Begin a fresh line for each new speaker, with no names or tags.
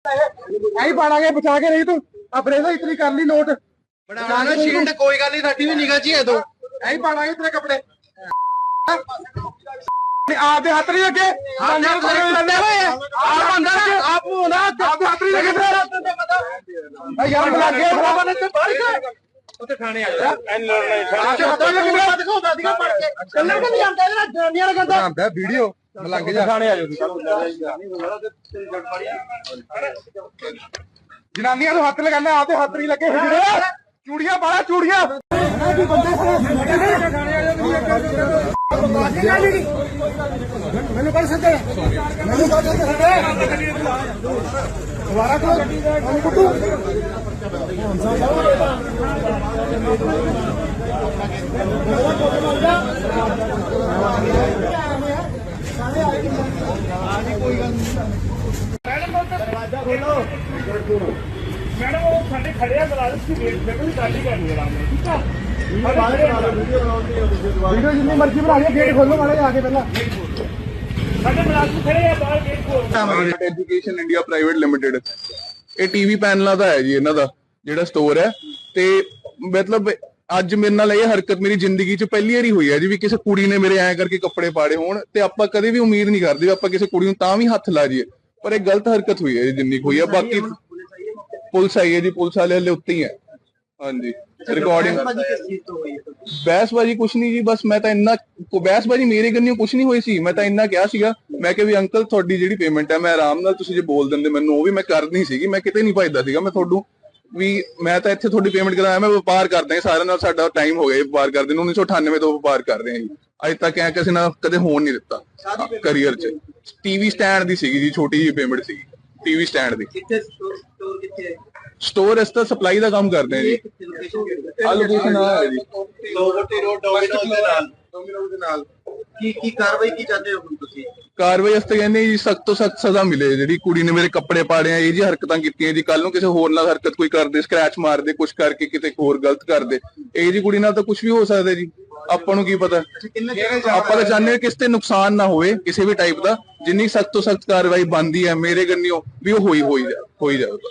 ऐ पाड़ांगे बचा के रही तू अपने से इतनी कर ली नोट बनाना शील्ड कोई गल नहीं साडी भी निगाह च है तो ऐ पाड़ांगे तेरे कपड़े आपके हाथ नहीं लगे आप हाथ नहीं लगे यार लगे ਉੱਥੇ ਥਾਣੇ ਆ ਜਾ ਐਨ ਲੜਨਾ ਵੀਡੀਓ ਲੱਗ ਜਾ ਥਾਣੇ ਆ ਜਾਓ ਜਨਾਨੀਆਂ ਨੂੰ ਹੱਥ ਲਗਾਣਾ ਆਪਦੇ ਹੱਥ ਨਹੀਂ ਲੱਗੇ ਚੂੜੀਆਂ ਪਾਲਾ ਚੂੜੀਆਂ ਮੈਨੂੰ ਕਰ ਸਕਦੇ ਮੈਨੂੰ ਕਰ ਸਕਦੇ ਦੁਬਾਰਾ ਕੋ ਕੁੱਟੂ मैडम वो साढ़े खड़े मुलाजिम की वेट बिल्कुल गाड़ी करनी है ठीक है वीडियो जितनी मर्जी बना लिया गेट खोलो मारे आगे पहला साढ़े मुलाजिम खड़े हैं बाहर गेट खोल
ਐਜੂਕੇਸ਼ਨ ਇੰਡੀਆ ਪ੍ਰਾਈਵੇਟ ਲਿਮਿਟਡ ਇਹ ਟੀਵੀ ਪੈਨਲਾਂ ਦਾ ਹੈ ਜੀ ਇਹਨਾਂ ਦਾ ਜਿਹੜਾ ਸਟੋਰ ਹੈ ਤੇ ਮਤਲਬ ਅੱਜ ਮੇਰੇ ਨਾਲ ਇਹ ਹਰਕਤ ਮੇਰੀ ਜ਼ਿੰਦਗੀ 'ਚ ਪਹਿਲੀ ਵਾਰੀ ਹੋਈ ਹੈ ਜੀ ਵੀ ਕਿਸੇ ਕੁੜੀ ਨੇ ਮੇਰੇ ਐਂ ਕਰਕੇ ਕੱਪੜੇ ਪਾੜੇ ਹੋਣ ਤੇ ਆਪਾਂ ਕਦੇ ਵੀ ਉਮੀਦ ਨਹੀਂ ਕਰਦੇ ਆਪਾਂ ਕਿਸੇ ਕੁੜੀ ਨੂੰ ਤਾਂ ਵੀ ਹੱਥ ਲਾ ਜਾਈਏ ਪਰ ਇਹ ਗਲਤ ਹਰਕਤ ਹੋਈ ਹੈ ਜੀ ਜਿੰਨੀ ਹੋਈ ਹੈ ਬਾਕੀ ਪੁਲਿਸ ਆਈ ਹੈ ਜੀ ਪੁਲਿਸ ਵਾਲੇ ਹਲੇ ਉੱਤੇ ਹੀ ਹੈ ਹਾਂਜੀ ਰਿਕਾਰਡਿੰਗ ਬਹਿਸਬਾਜੀ ਕੁਛ ਨਹੀਂ ਜੀ ਬਸ ਮੈਂ ਤਾਂ ਇੰਨਾ ਬਹਿਸਬਾਜੀ ਮੇਰੇ ਕੰਨਿਓ ਕੁਛ ਨਹੀਂ ਹੋਈ ਸੀ ਮੈਂ ਤਾਂ ਇੰਨਾ ਕਿਹਾ ਸੀਗਾ ਮੈਂ ਕਿਹਾ ਵੀ ਅੰਕਲ ਤੁਹਾਡੀ ਜਿਹੜੀ ਪੇਮੈਂਟ ਹੈ ਮੈਂ ਆਰਾਮ ਨਾਲ ਤੁਸੀਂ ਜੇ ਬੋਲ ਦਿੰਦੇ ਮੈਨੂੰ ਉਹ ਵੀ ਮੈਂ ਕਰਨੀ ਸੀਗੀ ਮੈਂ ਕਿਤੇ ਨਹੀਂ ਭੱਜਦਾ ਸੀਗਾ ਮੈਂ ਤੁਹਾਨੂੰ ਵੀ ਮੈਂ ਤਾਂ ਇੱਥੇ ਤੁਹਾਡੀ ਪੇਮੈਂਟ ਕਰਾਇਆ ਮੈਂ ਵਪਾਰ ਕਰਦਾ ਸਾਰਿਆਂ ਨਾਲ ਸਾਡਾ ਟਾਈਮ ਹੋ ਗਿਆ ਵਪਾਰ ਕਰਦੇ ਨੂੰ 1998 ਤੋਂ ਵਪਾਰ ਕਰ ਰਹੇ ਹਾਂ ਜੀ ਅੱਜ ਤੱਕ ਐ ਕਿਸੇ ਨਾਲ ਕਦੇ ਹੋਣ ਨਹੀਂ ਦਿੱਤਾ ਕਰੀਅਰ 'ਚ ਟੀਵੀ ਸਟੈਂਡ ਦੀ ਸੀਗੀ ਜੀ ਛੋਟੀ ਜਿਹੀ ਪੇਮੈਂਟ ਸੀਗੀ ਟੀਵੀ ਸਟੈਂਡ ਦੀ ਸਟੋਰ ਇਸ ਤਾਂ ਸਪਲਾਈ ਦਾ ਕੰਮ ਕਰਦੇ ਆ ਜੀ ਆ ਲੋਕੇਸ਼ਨ ਆ ਹੈ ਜੀ
ਲੋਵਰਟੀ ਰੋਡ ਡੋਮਿਨੋਜ਼ ਦੇ ਨਾਲ ਕੀ ਕਾਰਵਾਈ ਕੀ ਚਾਹਦੇ ਹੋ ਤੁਸੀਂ
ਕਾਰਵਾਈ ਵਾਸਤੇ ਕਹਿੰਦੇ ਜੀ ਸਖਤ ਤੋਂ ਸਖਤ ਸਜ਼ਾ ਮਿਲੇ ਜਿਹੜੀ ਕੁੜੀ ਨੇ ਮੇਰੇ ਕੱਪੜੇ ਪਾੜੇ ਆ ਇਹ ਜੀ ਹਰਕਤਾਂ ਕੀਤੀਆਂ ਜੀ ਕੱਲ ਨੂੰ ਕਿਸੇ ਹੋਰ ਨਾਲ ਹਰਕਤ ਕੋਈ ਕਰਦੇ ਸਕ੍ਰੈਚ ਮਾਰਦੇ ਕੁਛ ਕਰਕੇ ਕਿਤੇ ਹੋਰ ਗਲਤ ਕਰਦੇ ਇਹ ਜੀ ਕੁੜੀ ਨਾਲ ਤਾਂ ਕੁਝ ਵੀ ਹੋ ਸਕਦਾ ਜੀ ਆਪਾਂ ਨੂੰ ਕੀ ਪਤਾ ਆਪਾਂ ਤਾਂ ਚਾਹੁੰਦੇ ਹਾਂ ਕਿਸੇ ਤੇ ਨੁਕਸਾਨ ਨਾ ਹੋਵੇ ਕਿਸੇ ਵੀ ਟਾਈਪ ਦਾ ਜਿੰਨੀ ਸਖਤ ਤੋਂ ਸਖਤ ਕਾਰਵਾਈ ਬਣਦੀ ਹੈ ਮੇਰੇ ਕੰਨਿਓ ਵੀ ਉਹ ਹੋਈ ਜਾਵੇ